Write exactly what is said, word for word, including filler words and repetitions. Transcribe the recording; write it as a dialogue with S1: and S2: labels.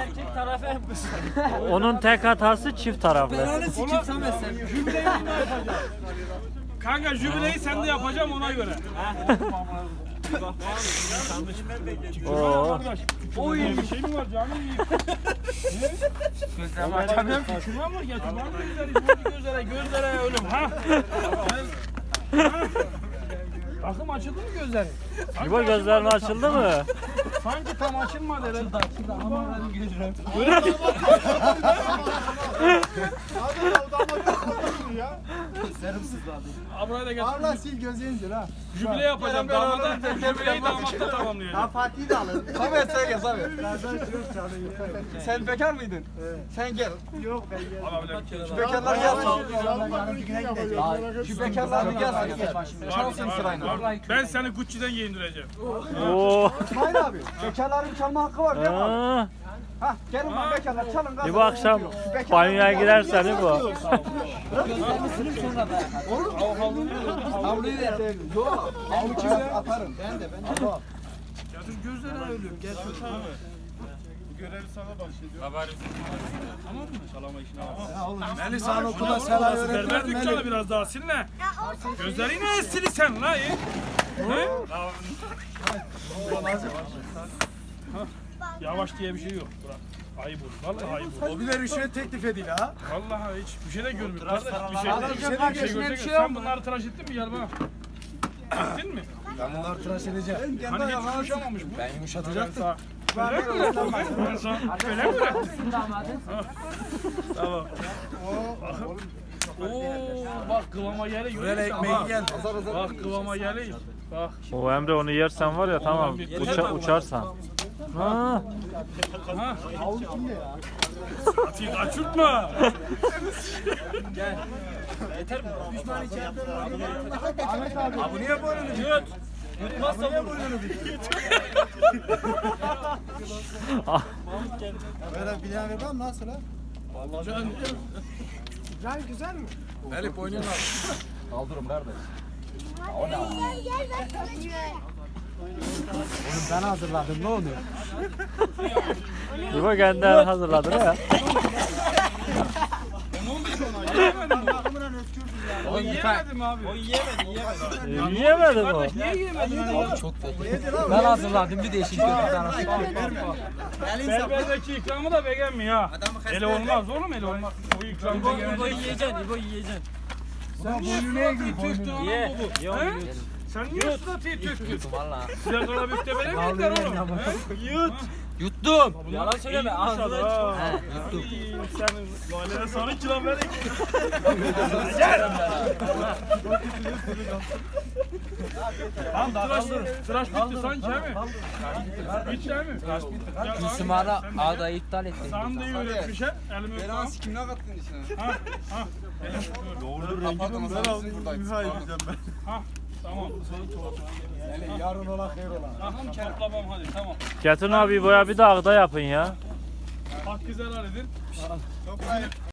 S1: erkek tarafı hem kız.
S2: Onun tek hatası çift taraflı.
S1: Belanı sikip Samet sen.
S3: Jübileyi ben de yapacağım. Kanka jübileyi sen de yapacağım ona göre.
S2: Oo.
S3: O iyi bir şey mi var canım iyi.
S1: Gözlerimi açamıyorum ki.
S3: Şuna mı getir? Var mı gözleri? Gözleri gözlere, gözlere ölüm ha? Ha? Bakım açıldı mı gözleri? Sanki
S2: İbo gözlerin
S3: açılmadı
S2: açıldı mı?
S3: tam. Sanki tam açılmadı herhalde.
S1: Açıldı ama benim gözlerim.
S3: Ha buraya da getir.
S4: Allah sil gözünüzü ha.
S3: Jübile yapacağım damada. Jübileyi damatta tamamlayacağım.
S4: Fatih'i de alın.
S1: Samet sen gel Samet.
S4: Sen bekar mıydın? Sen gel. Yok ben gel.
S3: Alabilirim.
S4: Şu bekarlar gelsin. Şu bekarlar bir gelsin. Çalsın sırayla.
S3: Ben seni Gucci'den giyindireceğim.
S2: Oo.
S4: İsmail abi. Bekarların çalma hakkı var değil mi abi?
S2: Aa.
S4: Hah gelin bak bekarlar çalın.
S2: İbo akşam banyoya girersen İbo.
S1: Gözlerimi silip sonra da yakar. Havluyu ver.
S4: Yok. Ben kimi atarım. Ben de ben de.
S3: Getir gözlerine ölüyorum. Getir tamam.
S5: Bu görevi sana bahşediyor.
S3: Tamam mı? Çalama işine bak.
S4: Melis Han okula selam
S3: Berber dükkanı biraz daha silme. Gözleri ne sili sen la iyi? Ne? Ha, Yavaş diye bir şey yok. Bırak. Ayıp olur. Vallahi ayıp olur.
S4: O bile rüşvet teklif ediyor ha.
S3: Vallahi hiç bir şey de görmüyor. Kardeş bir şey de bir şey de bir şey
S1: kardeşine bir
S3: görecek.
S1: şey yok
S3: Sen bunları tıraş ettin mi? Gel bana. Ettin mi?
S4: Ben bunları tıraş edeceğim.
S3: Hani hiç yumuşamamış bu.
S4: Ben yumuşatacaktım.
S3: Öyle mi öğrettin? Ben sana öyle mi öğrettin?
S1: Damadın.
S3: Tamam. Oo bak kıvama geliyor.
S4: Böyle ekmeği gel.
S3: Bak kıvama geliyor. Bak.
S2: O Emre onu yersen var ya tamam uça, uçarsan. Ha.
S3: Ha. Atıyı kaçırtma. Gel. Yeter mi? Düşman içeride.
S4: Ahmet abi. Bu niye böyle mi?
S3: Yut. Yutmazsa vur.
S4: Böyle bilen ver nasıl ha?
S3: Can.
S4: Güzel güzel mi?
S5: Melih boynunu al.
S4: Kaldırım kardeş.
S6: Gel gel ben sana çıkıyorum.
S4: Oğlum ben hazırladım ne oluyor?
S2: İbo kendinden hazırladı ya.
S3: O yiyemedim abi. O yiyemedi, yiyemedi.
S2: Yiyemedim o.
S3: Niye yiyemedin ya?
S1: Ben hazırladım bir değişik bir tane.
S3: Berberdeki ikramı da beğenmiyor ha. Ele olmaz oğlum ele olmaz. O ikram
S1: İbo
S3: beğenmeyecek.
S1: yiyeceksin, İbo yiyeceksin.
S3: Sen niye suda tir töktün anam
S1: Ye.
S3: baba? He? Sen niye suda tir töktün?
S1: Valla.
S3: Size kalabükte böyle mi yediler oğlum? He? Yut.
S1: Yuttum. Yalan söyleme.
S3: İyiymiş
S1: Ağzına
S3: adam.
S1: çık. He,
S3: Ay,
S1: yuttum.
S3: Senin valide sana kilo verin. Tamam tıraş, tıraş bitti sanki he mi? Bitti he mi? Tıraş bitti.
S1: Gülsüm Ara ağdayı iptal etti.
S3: Sen de iyi öğretmiş he. Elimi öpme.
S5: Belanı sikimine kattın içine.
S3: Ha, ha.
S5: Kapattım sen buradayız.
S3: Ha, tamam.
S4: Yarın ola hayır ola.
S3: Tamam toplamam hadi tamam.
S2: Getirin abi İbo'ya bir de ağda yapın ya.
S3: Bak güzel halledin.